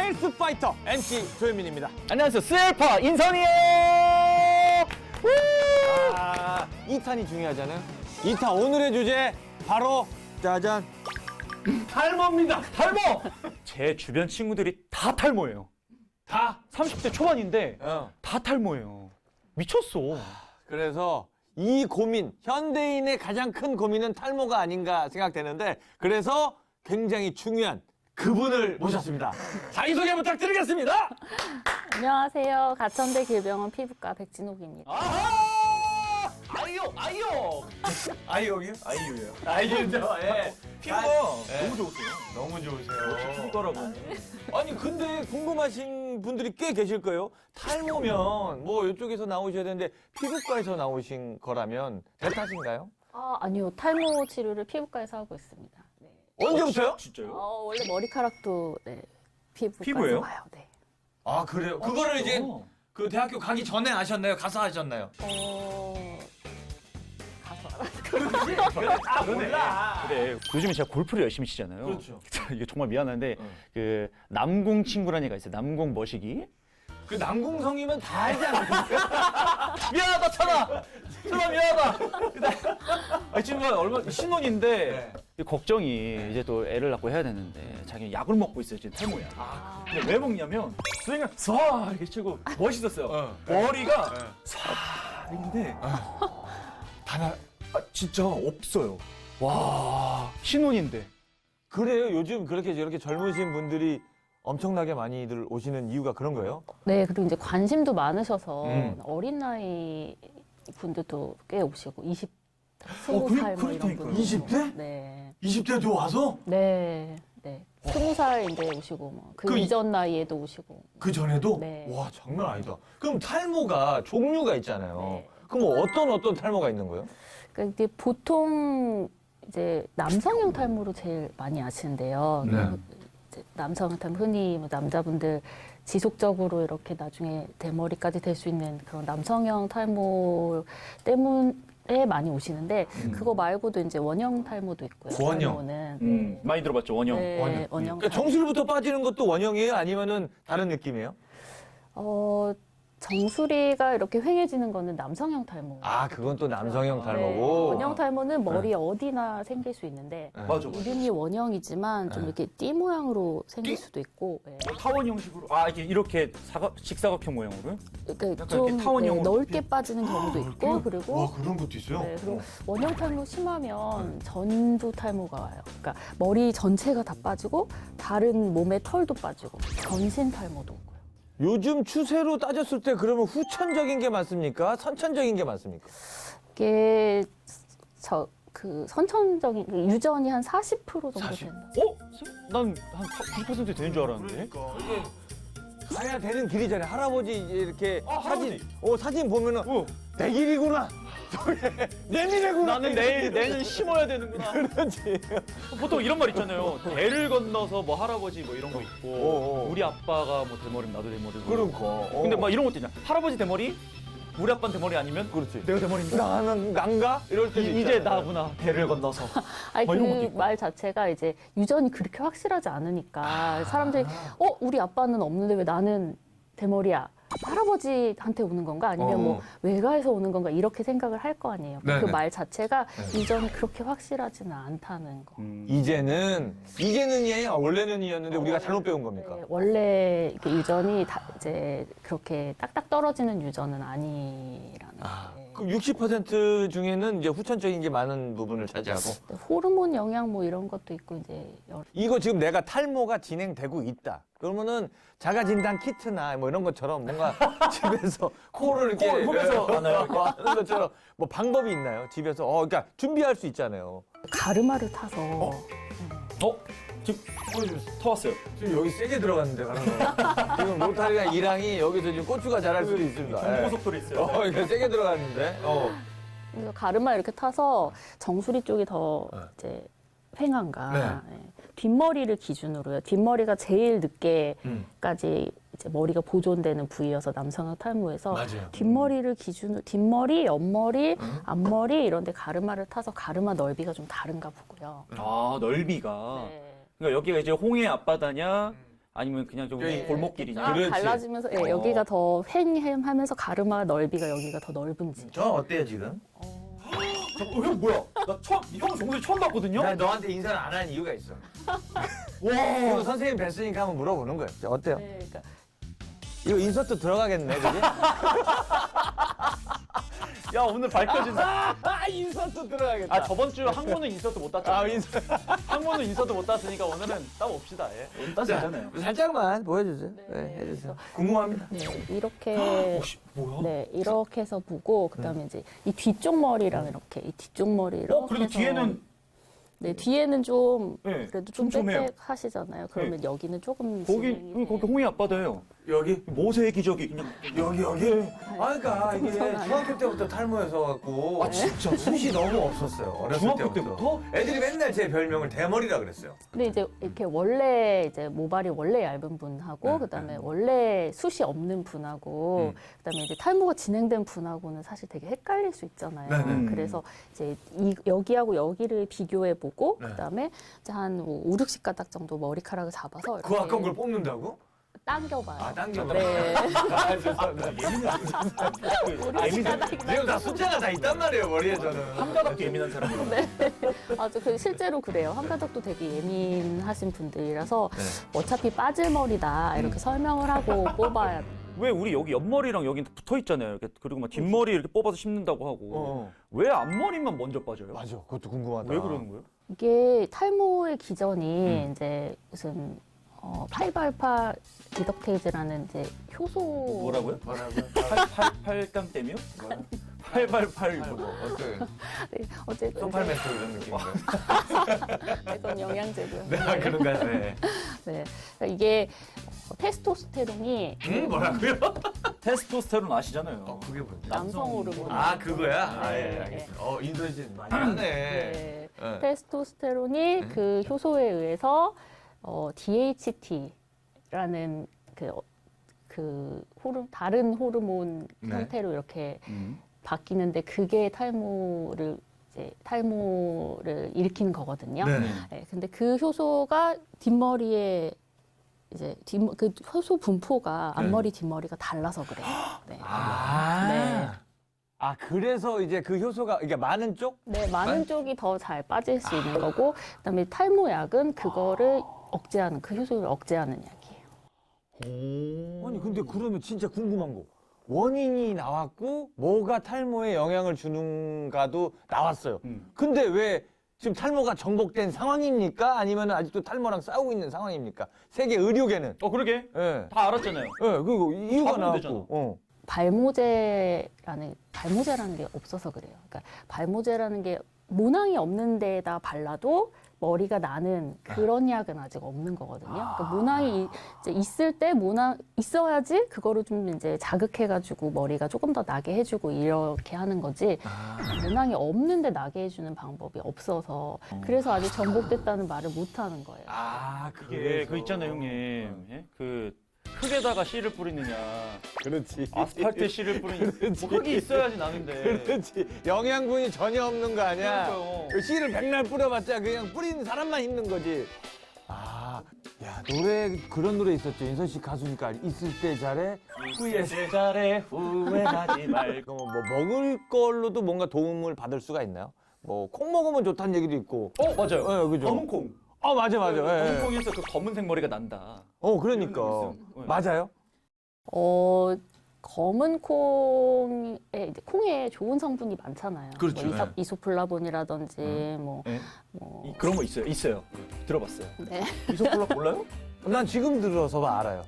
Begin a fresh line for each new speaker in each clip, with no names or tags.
헬스 파이터 MC 조현민입니다.
안녕하세요. 스엘파 인선이에요.
2탄이 중요하잖아요. 2탄 오늘의 주제 바로 짜잔 탈모입니다.
탈모. 제 주변 친구들이 다 탈모예요. 다 30대 초반인데 다 탈모예요. 미쳤어.
그래서 이 고민, 현대인의 가장 큰 고민은 탈모가 아닌가 생각되는데 그래서 굉장히 중요한 그분을 모셨습니다. 자기소개 부탁드리겠습니다.
안녕하세요. 가천대 길병원 피부과 백진옥입니다.
아하! 아이옥이요?
아이유예요.
아이유죠. 예. 피부가
네.
너무 좋으세요.
너무 좋으세요.
피부과라고.
아니 근데 궁금하신 분들이 꽤 계실 거예요. 탈모면 뭐 이쪽에서 나오셔야 되는데 피부과에서 나오신 거라면 대타신가요?
아니요. 탈모 치료를 피부과에서 하고 있습니다. 네.
언제부터요?
진짜요?
원래 머리카락도 피부과에서
피부예요?
와요. 네.
아 그래요? 그거를 이제
진짜?
그 대학교 가기 전에 아셨나요? 가서 하셨나요?
가서 알았어요.
몰라.
그래. 요즘에 제가 골프를 열심히 치잖아요.
그렇죠.
이게 정말 미안한데 그 남궁 친구라는 애가 있어요. 남궁 머시기.
그 남궁성이면 다 알지 않습니까?
미안하다 천아. 천아 미안하다. 이 친구가 얼마 신혼인데 걱정이 이제 또 애를 낳고 해야 되는데 자기는 약을 먹고 있어요. 지금 탈모야. 근데 왜 먹냐면 스윙을 쏴 이렇게 치고 멋있었어요. 머리가 쏴 이런데 하나 진짜 없어요. 와 신혼인데.
그래요. 요즘 그렇게 저렇게 젊으신 분들이 엄청나게 많이들 오시는 이유가 그런 거예요?
네. 그리고 이제 관심도 많으셔서
음.
어린 나이 분들도 꽤 오시고 20살 뭐 이런 분들.
20대?
네.
20대도 와서?
네. 네. 20살인데 오시고 뭐 그 이전 나이에도 오시고.
그 전에도?
네.
와 장난 아니다. 그럼 탈모가 종류가 있잖아요.
네.
그럼 뭐 어떤 탈모가 있는 거예요?
그러니까 이게 보통 이제 남성형 탈모로 제일 많이 아시는데요.
네.
이제 남성형 탈모 흔히 뭐 남자분들 지속적으로 이렇게 나중에 대머리까지 될 수 있는 그런 남성형 탈모 때문에 많이 오시는데 그거 말고도 이제 원형 탈모도 있고요.
원형.
탈모는 네.
많이 들어봤죠 원형.
네,
원형.
원형.
그러니까 정수리부터 빠지는 것도 원형이에요? 아니면은 다른 느낌이에요?
정수리가 이렇게 휑해지는 거는 남성형 탈모.
아 그건 또 남성형
네,
탈모고.
원형 탈모는 머리 어디나 생길 수 있는데
네.
맞아.
이름이 원형이지만 좀 이렇게 띠 모양으로 생길 수도 있고. 네.
타원 형식으로 이렇게 직사각형 모양으로.
그러니까
약간
좀
이렇게 타원형으로
넓게 빠지는 경우도 있고 그리고
그런 것도 있어요?
네, 그리고 원형 탈모 심하면 전두 탈모가 와요. 그러니까 머리 전체가 다 빠지고 다른 몸의 털도 빠지고 전신 탈모도 오고요.
요즘 추세로 따졌을 때 그러면 후천적인 게 많습니까? 선천적인 게 많습니까?
이게 선천적인 유전이 한 40% 정도
40?
된다.
난 한 90% 되는 줄 알았는데.
가야 되는 길이잖아요. 할아버지 이렇게 사진 보면은
어.
내 길이구나. 내 미래구나.
나는 내는 심어야 되는구나.
그렇지.
보통 이런 말 있잖아요. 대를 건너서 뭐 할아버지 뭐 이런 거 있고
어.
우리 아빠가 뭐 대머리면 나도 대머리고.
그러니까.
근데 막 이런 것도 있잖아. 할아버지 대머리, 우리 아빠는 대머리 아니면
그렇지.
내가 대머리인가?
나는 난가? 이럴 때도
이제
있잖아요.
나구나. 대를 건너서.
아니
뭐 이런 것도
그
있고.
말 자체가 이제 유전이 그렇게 확실하지 않으니까 사람들이 우리 아빠는 없는데 왜 나는 대머리야? 할아버지한테 오는 건가 아니면 뭐 외가에서 오는 건가 이렇게 생각을 할 거 아니에요.
네네.
그 말 자체가 유전이 그렇게 확실하지는 않다는 거.
이제는이에요. 원래는이었는데 우리가 잘못 배운 겁니까?
네, 원래 이게 유전이 이제 그렇게 딱딱 떨어지는 유전은 아니라는 게.
그럼 60% 중에는 이제 후천적인 게 많은 부분을 차지하고.
네, 호르몬 영향 뭐 이런 것도 있고 이제
이거 지금 내가 탈모가 진행되고 있다. 그러면은 자가진단 키트나 뭐 이런 것처럼 뭔가 집에서 코를 이렇게
홈에서 하나요?
하는 것처럼 뭐 방법이 있나요? 집에서 그러니까 준비할 수 있잖아요.
가르마를 타서
지금 터왔어요.
지금 여기 세게 들어갔는데 가는 거. 지금 로타리가 이랑이 여기서 지금 고추가 자랄 수도 있습니다.
경고속도로 있어요.
이거 세게 들어갔는데.
그래서 가르마 이렇게 타서 정수리 쪽이 더 이제 횡한가.
네.
예. 뒷머리를 기준으로요. 뒷머리가 제일 늦게까지 이제 머리가 보존되는 부위여서 남성형 탈모에서
맞아요.
뒷머리를 기준으로 뒷머리, 옆머리, 앞머리 이런 데 가르마를 타서 가르마 넓이가 좀 다른가 보고요.
넓이가.
네.
그러니까 여기가 이제 홍해 앞바다냐 아니면 그냥 좀
여기
골목길이냐?
그렇지.
갈라지면서 예, 여기가 더 횡하면서 가르마 넓이가 여기가 더 넓은지.
저 어때요 지금?
형 뭐야? 형 정말 처음 봤거든요.
나 너한테 인사를 안 하는 이유가 있어.
와.
그리고 선생님 뵀으니까 한번 물어보는 거예요. 자, 어때요?
네, 그러니까
이거 인서트 들어가겠네, 그지?
야 오늘 밝혀진다.
인서트 들어가겠다.
아 저번 주 항문은 인서트 못 땄잖아.
인서트.
항문은 인서트 못 땄으니까 오늘은 따봅시다. 예. 오늘 따도 되잖아요.
살짝만 보여주세요. 네, 해주세요. 궁금합니다.
네, 이렇게
뭐야?
네 이렇게 해서 보고 그다음에 이제 이 뒤쪽 머리랑 이렇게 이 뒤쪽 머리 이렇게
그래도
해서
뒤에는
네 뒤에는 좀
네,
그래도 좀
촘촘해요.
빽빽하시잖아요. 그러면 여기는 조금
거기
진행이
거기 홍이 아빠도요.
여기?
모세의 기적이 그냥
여기? 아, 그러니까 이게
그건 아니에요.
중학교 때부터 탈모여서 갖고
아, 진짜?
숱이 너무 없었어요. 어렸을
중학교 때부터?
애들이 맨날 제 별명을 대머리라 그랬어요.
근데 이제 이렇게 원래 이제 모발이 원래 얇은 분하고
네,
그다음에 원래 숱이 없는 분하고 그다음에 이제 탈모가 진행된 분하고는 사실 되게 헷갈릴 수 있잖아요.
네, 네.
그래서 이제 여기하고 여기를 비교해 보고
네.
그다음에 이제 한 5, 60가닥 정도 머리카락을 잡아서
그 아까운 걸 뽑는다고?
당겨봐요.
아, 당겨봐.
네.
아, 죄송합니다. 지금 다 숫자가 다 있단 말이에요, 머리에 저는.
한 가닥도 예민한 사람이에요.
아주 실제로 그래요. 한가닥도 되게 예민하신 분들이라서
네.
어차피 빠질 머리다 이렇게 설명을 하고 뽑아야
왜 우리 여기 옆머리랑 여기 붙어 있잖아요. 이렇게 그리고 막 뒷머리 이렇게 뽑아서 심는다고 하고 왜 앞머리만 먼저 빠져요?
맞아, 그것도 궁금하다.
왜 그러는 거예요?
이게 탈모의 기전이 이제 무슨 888 디덕테이즈라는 이제 효소
뭐라고요?
뭐라고요?
8강 땜이요? 888 뭐.
어때요?
네, 어쨌든
소팔멘토 이런 느낌인가요?
이건 영양제고요.
네, 그런가요? 네.
네. 그러니까 이게 테스토스테론이
뭐라고요?
테스토스테론 아시잖아요.
그게 뭐지?
남성 호르몬.
아, 그거야? 아, 예,
네.
알겠습니다. 인도네시아 많이 하네.
네.
네.
테스토스테론이 그 효소에 의해서 DHT라는 다른 호르몬
네.
형태로 이렇게 바뀌는데 그게 탈모를 일으키는 거거든요.
네.
네, 근데 그 효소가 뒷머리에 이제 그 효소 분포가 앞머리 뒷머리가 달라서 그래요. 네. 네.
아, 그래서 이제 그 효소가, 이게 많은 쪽?
네, 많은 쪽이 더 잘 빠질 수 있는 거고, 그다음에 탈모약은 그거를 억제하는 그 효소를 억제하는 약이에요.
아니, 근데 그러면 진짜 궁금한 거. 원인이 나왔고, 뭐가 탈모에 영향을 주는가도 나왔어요. 근데 왜 지금 탈모가 정복된 상황입니까? 아니면 아직도 탈모랑 싸우고 있는 상황입니까? 세계 의료계는.
그러게.
예.
다 알았잖아요.
예, 그리고 이유가
잡으면 되잖아.
나왔고.
발모제라는 게 없어서 그래요. 그러니까 발모제라는 게 모낭이 없는 데에다 발라도 머리가 나는 그런 약은 아직 없는 거거든요. 그러니까 모낭이 이제 있을 때 모낭 있어야지 그거를 좀 이제 자극해가지고 머리가 조금 더 나게 해주고 이렇게 하는 거지. 모낭이 없는데 나게 해주는 방법이 없어서 그래서 아직 정복됐다는 말을 못 하는 거예요.
아,
이게 그 있잖아요, 형님. 예? 그 흙에다가 씨를 뿌리느냐,
그렇지.
아스팔트에 씨를 뿌리느냐. 뭐 흙이 있어야지 나는데.
그렇지. 영양분이 전혀 없는 거 아니야?
그러니까요.
그 씨를 백날 뿌려봤자 그냥 뿌리는 사람만 힘든 거지. 아, 야, 그런 노래 있었죠. 인선 씨 가수니까 있을 때 잘해.
후회 잘해 후회하지 말고.
뭐 먹을 걸로도 뭔가 도움을 받을 수가 있나요? 뭐 콩 먹으면 좋다는 얘기도 있고.
맞아요.
예, 그죠.
검은 콩.
아, 맞아. 예,
검은
예.
콩에서 그 검은색 머리가 난다.
그러니까.
있어요.
맞아요?
검은 콩에 이제 콩에 좋은 성분이 많잖아요.
그렇죠.
뭐 이소플라본이라든지 뭐
네. 그런 거 있어요. 들어봤어요.
네.
이소플라 몰라요?
난 지금 들어서 알아요.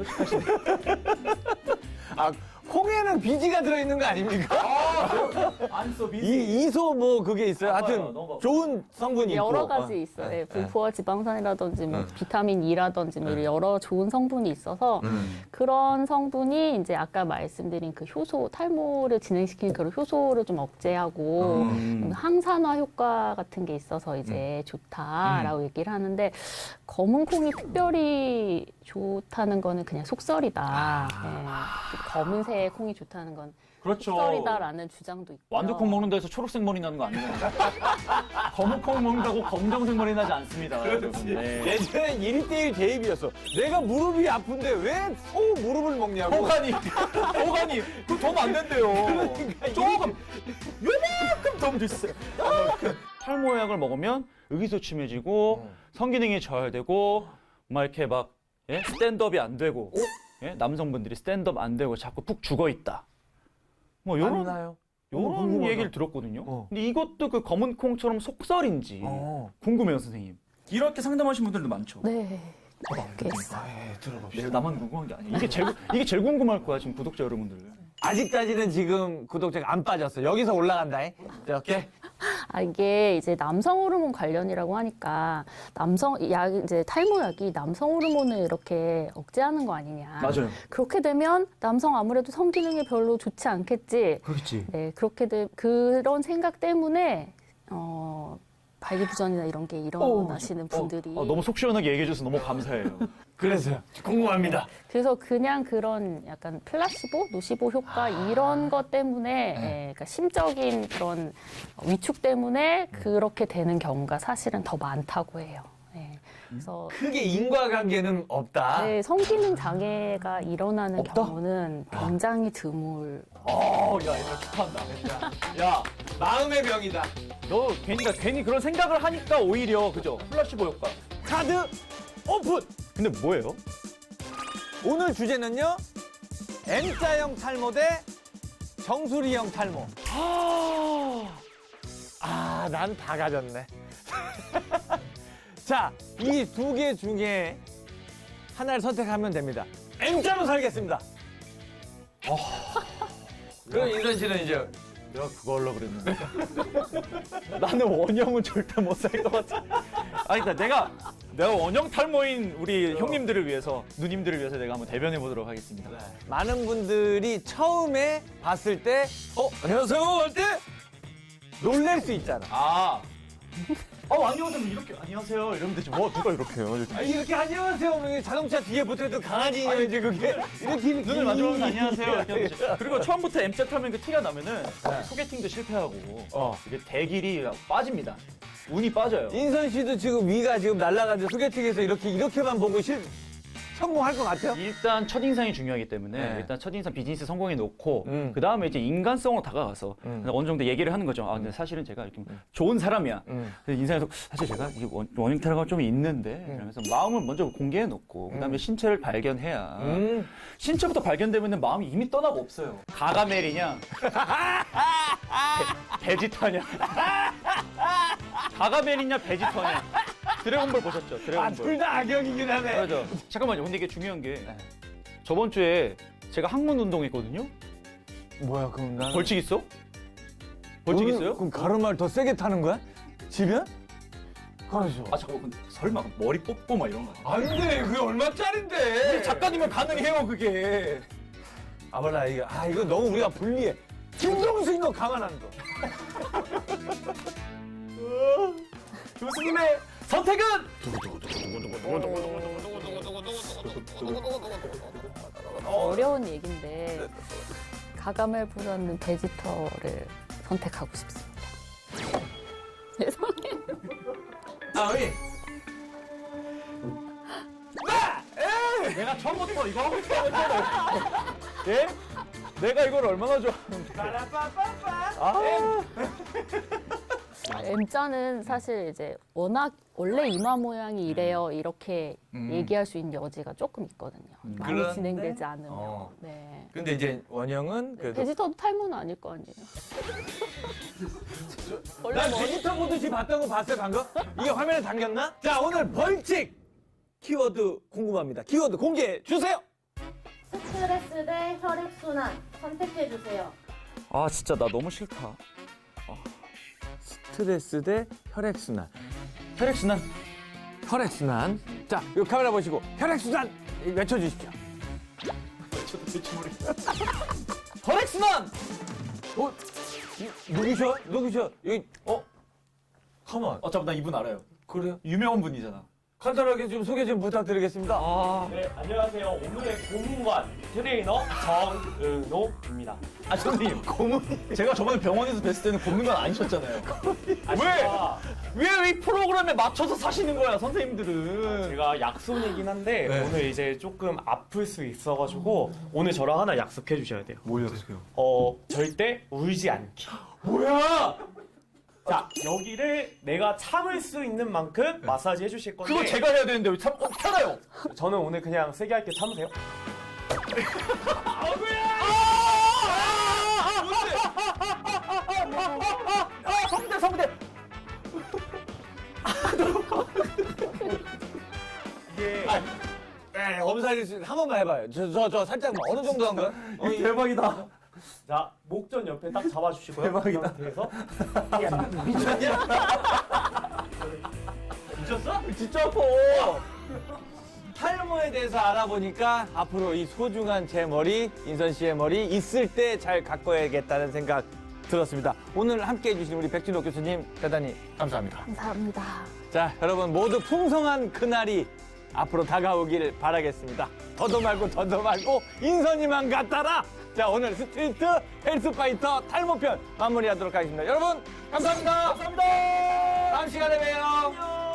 아, 콩에는 비지가 들어있는 거 아닙니까?
안 써,
이소 뭐 그게 있어요.
봐봐요.
하여튼
너무
좋은 성분이 있고.
여러 가지 있어요. 예, 불포화 지방산이라든지 뭐 비타민 E라든지 뭐 이런 여러 좋은 성분이 있어서 그런 성분이 이제 아까 말씀드린 그 효소 탈모를 진행시키는 그런 효소를 좀 억제하고 항산화 효과 같은 게 있어서 이제 좋다라고 얘기를 하는데 검은 콩이 특별히 좋다는 거는 그냥 속설이다. 예. 검은색 콩이 좋다는 건
그렇죠.
속설이다라는 주장도 있고.
완두콩 먹는 데서 초록색 머리 나는 거 아니에요? 검은콩 먹는다고 검정색 머리 나지 않습니다. 여러분. 네.
예전엔 1:1 대입이었어. 내가 무릎이 아픈데 왜 소 무릎을 먹냐고.
호가니, 그거 더 안 된대요. 조금, 요만큼 더 주세요. 탈모약을 먹으면 의기소침해지고 성기능이 저하되고 막 이렇게 막 예? 스탠드업이 안 되고 예? 남성분들이 스탠드업 안 되고 자꾸 푹 죽어 있다. 뭐 요런
맞나요?
요런
궁금하다.
얘기를 들었거든요.
어.
근데 이것도 그 검은 콩처럼 속설인지 궁금해요, 선생님. 이렇게 상담하신 분들도 많죠.
네. 꽤 있어요.
내가 나만 궁금한 게 아니야. 이게 제일 궁금할 거야, 지금 구독자 여러분들.
아직까지는 지금 구독자가 안 빠졌어. 여기서 올라간다. 이렇게.
이게 이제 남성 호르몬 관련이라고 하니까 이제 탈모약이 남성 호르몬을 이렇게 억제하는 거 아니냐.
맞아요.
그렇게 되면 남성 아무래도 성기능이 별로 좋지 않겠지.
그렇지.
네, 그런 생각 때문에 발기부전이나 이런 게 일어나시는 분들이
너무 속 시원하게 얘기해줘서 너무 감사해요.
그래서요. 궁금합니다.
그래서 그냥 그런 약간 플라시보, 노시보 효과 이런 것 때문에 그러니까 심적인 그런 위축 때문에 그렇게 되는 경우가 사실은 더 많다고 해요. 네. 그래서
크게 인과관계는 없다.
네, 성기능 장애가 일어나는
없다?
경우는 굉장히 드물.
야, 이거 축하한다. 야,
마음의 병이다.
너 괜히 그런 생각을 하니까 오히려 그죠? 플라시보 효과.
카드 오픈!
근데 뭐예요?
오늘 주제는요. M자형 탈모 대 정수리형 탈모. 난 다 가졌네. 자, 이 두 개 중에 하나를 선택하면 됩니다. M자로 살겠습니다. 그럼 인선 씨는 이제
내가 그거 하려고 그랬는데. 나는 원형은 절대 못 살 것 같아. 아니, 그러니까 내가 원형 탈모인 우리 형님들을 위해서, 누님들을 위해서 내가 한번 대변해 보도록 하겠습니다.
많은 분들이 처음에 봤을 때, 안녕하세요 할 때 놀랄 수 있잖아.
안녕하세요. 이렇게 안녕하세요. 이러면 되지. 뭐 누가 이렇게 해요?
이렇게 안녕하세요 하면 자동차 뒤에 붙어있던 강아지냐 이제 그게 이렇게
눈을 마주보면 안녕하세요. 이렇게 하면 되지. 그리고 처음부터 M자 타면 그 티가 나면은 소개팅도 실패하고 이게 대길이 빠집니다. 운이 빠져요.
인선 씨도 지금 위가 지금 날아가지고 소개팅에서 이렇게만 보고 성공할 것 같아요?
일단 첫인상이 중요하기 때문에
네.
일단 첫인상 비즈니스 성공해 놓고
음.
그 다음에 이제 인간성으로 다가가서 어느 정도 얘기를 하는 거죠. 근데 사실은 제가 이렇게 좋은 사람이야. 그래서 인상에서 사실 제가 이게 원형 탈모가 좀 있는데 그러면서 마음을 먼저 공개해 놓고 그다음에 신체를 발견해야 신체부터 발견되면 마음이 이미 떠나고 없어요. 가가멜이냐 베지터냐 가가멜이냐 베지터냐 드래곤볼 보셨죠? 드래곤볼.
둘 다 악역이긴 하네.
그렇죠. 잠깐만요. 근데 이게 중요한 게 저번 주에 제가 항문 운동했거든요.
뭐야 그럼 나는
벌칙 있어? 벌칙 있어요?
그럼 가르마를 더 세게 타는 거야? 지면? 가르쳐.
잠깐만. 근데 설마 머리 뽑고 막 이런 거 아니야?
안 돼. 그게 얼마짜린데?
작가님은 가능해요, 그게.
몰라 이거 너무 우리가 불리해. 김동수인 거 가만 안 둬.
교수님의 선택은
어려운 얘기인데 가가멜보다는 베지터를 선택하고 싶습니다. 죄송해요.
우리
내가 처음부터 이거 하고 싶었잖아요. 예? 내가 이걸 얼마나 좋아하는데.
M자는 사실 이제 워낙 원래 이마 모양이 이래요 이렇게 얘기할 수 있는 여지가 조금 있거든요. 많이
그런데?
진행되지 않으면.
어.
네.
근데 이제 원형은 그래도
베지터도 탈모는 아닐 거 아니에요.
난 베지터 보듯이 봤던 거 봤어요 방금? 이게 화면에 담겼나? 자 오늘 벌칙 키워드 궁금합니다. 키워드 공개해 주세요.
스트레스 대 혈액순환 선택해주세요.
진짜 나 너무 싫다.
스트레스 대 혈액순환.
혈액순환.
혈액순환. 자, 이 카메라 보시고 혈액순환 외쳐주십시오.
혈액순환!
누구셔? 여기 가만.
잠깐 나 이분 알아요.
그래요?
유명한 분이잖아.
간단하게 좀 소개 좀 부탁드리겠습니다.
네, 안녕하세요. 오늘의 고문관 트레이너 정은호입니다.
아 선생님 제가 저번에 병원에서 뵀을 때는 걷는 건 아니셨잖아요. 왜 이 프로그램에 맞춰서 사시는 거야 선생님들은?
제가 약손이긴 한데 오늘 이제 조금 아플 수 있어가지고 오늘 저랑 하나 약속해 주셔야 돼요.
뭘 약속해요?
절대 울지 않기.
뭐야?
자, 여기를 내가 참을 수 있는 만큼 마사지 해주실 건데
그거 제가 해야 되는데 왜 참 편해요?
저는 오늘 그냥 세게 할게 참으세요.
성대
이게
네, 검사를 한 번만 해봐요. 저 살짝만 어느 정도 한 거야?
대박이다.
자, 목전 옆에 딱 잡아주시고요.
대박이다.
이 상태에서
미쳤어?
진짜 아파.
탈모에 대해서 알아보니까 앞으로 이 소중한 제 머리, 인선 씨의 머리 있을 때 잘 가꿔야겠다는 생각 들었습니다. 오늘 함께 해주신 우리 백진호 교수님 대단히 감사합니다.
감사합니다.
자, 여러분 모두 풍성한 그날이 앞으로 다가오길 바라겠습니다. 더도 말고 인선이만 같아라. 자, 오늘 스트리트 헬스파이터 탈모편 마무리하도록 하겠습니다. 여러분 감사합니다. 감사합니다. 다음 시간에 봬요.